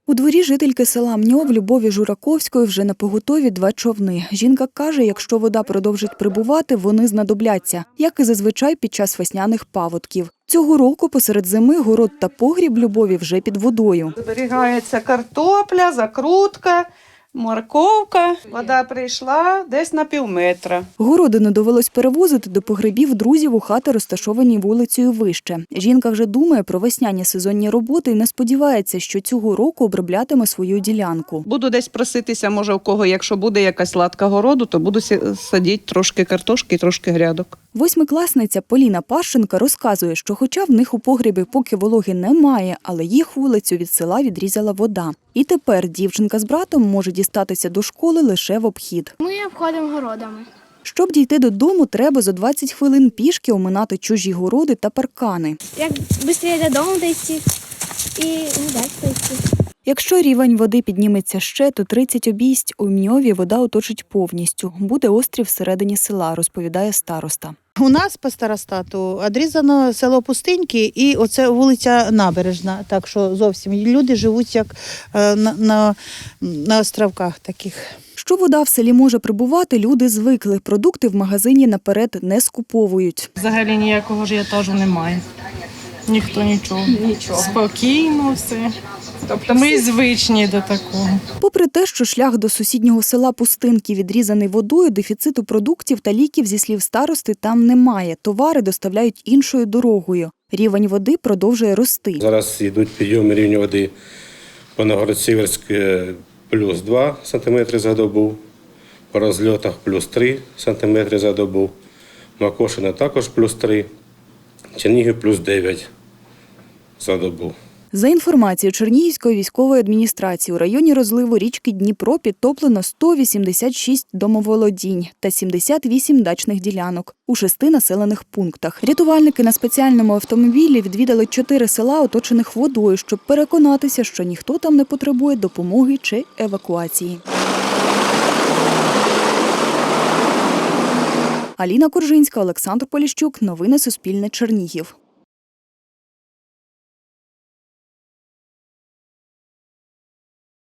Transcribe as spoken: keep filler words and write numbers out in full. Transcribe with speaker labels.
Speaker 1: У дворі жительки села Мньов Любові Жураковської вже напоготові два човни. Жінка каже, якщо вода продовжить прибувати, вони знадобляться, як і зазвичай під час весняних паводків. Цього року посеред зими город та погріб Любові вже під водою.
Speaker 2: Зберігається картопля, закрутка, морковка. Вода прийшла десь на пів метра.
Speaker 1: Городину довелось перевозити до погребів друзів у хати, розташовані вулицею вище. Жінка вже думає про весняні сезонні роботи і не сподівається, що цього року оброблятиме свою ділянку.
Speaker 2: Буду десь проситися, може, у кого, якщо буде якась латка городу, то буду садити трошки картошки і трошки грядок.
Speaker 1: Восьмикласниця Поліна Пащенка розказує, що хоча в них у погребі поки вологи немає, але їх вулицю від села відрізала вода. І тепер дівчинка з братом може дістатися до школи лише в обхід.
Speaker 3: Ми обходимо городами.
Speaker 1: Щоб дійти додому, треба за двадцять хвилин пішки оминати чужі городи та паркани.
Speaker 3: Як швидше додому дійти і не дати дійти.
Speaker 1: Якщо рівень води підніметься ще, то тридцять обійсть у Мньові вода оточить повністю. Буде острів всередині села, розповідає староста.
Speaker 4: У нас по старостату відрізано село Пустиньки і оце вулиця Набережна. Так що зовсім люди живуть як на, на, на островках таких.
Speaker 1: Що вода в селі може прибувати, люди звикли. Продукти в магазині наперед не скуповують.
Speaker 5: Взагалі ніякого ажіотажу немає. Ніхто нічого. Нічого. Спокійно все. Тобто ми звичні до такого.
Speaker 1: Попри те, що шлях до сусіднього села Пустинки відрізаний водою, дефіциту продуктів та ліків, зі слів старости, там немає. Товари доставляють іншою дорогою. Рівень води продовжує рости.
Speaker 6: Зараз йдуть підйоми рівня води по Новгород-Сіверськ плюс два сантиметри за добу, по розльотах плюс три сантиметри за добу, Макошина також плюс три, Чернігів плюс дев'ять за добу.
Speaker 1: За інформацією Чернігівської військової адміністрації, у районі розливу річки Дніпро підтоплено сто вісімдесят шість домоволодінь та сімдесят вісім дачних ділянок у шести населених пунктах. Рятувальники на спеціальному автомобілі відвідали чотири села, оточених водою, щоб переконатися, що ніхто там не потребує допомоги чи евакуації. Аліна Коржинська, Олександр Поліщук. Новини Суспільне. Чернігів.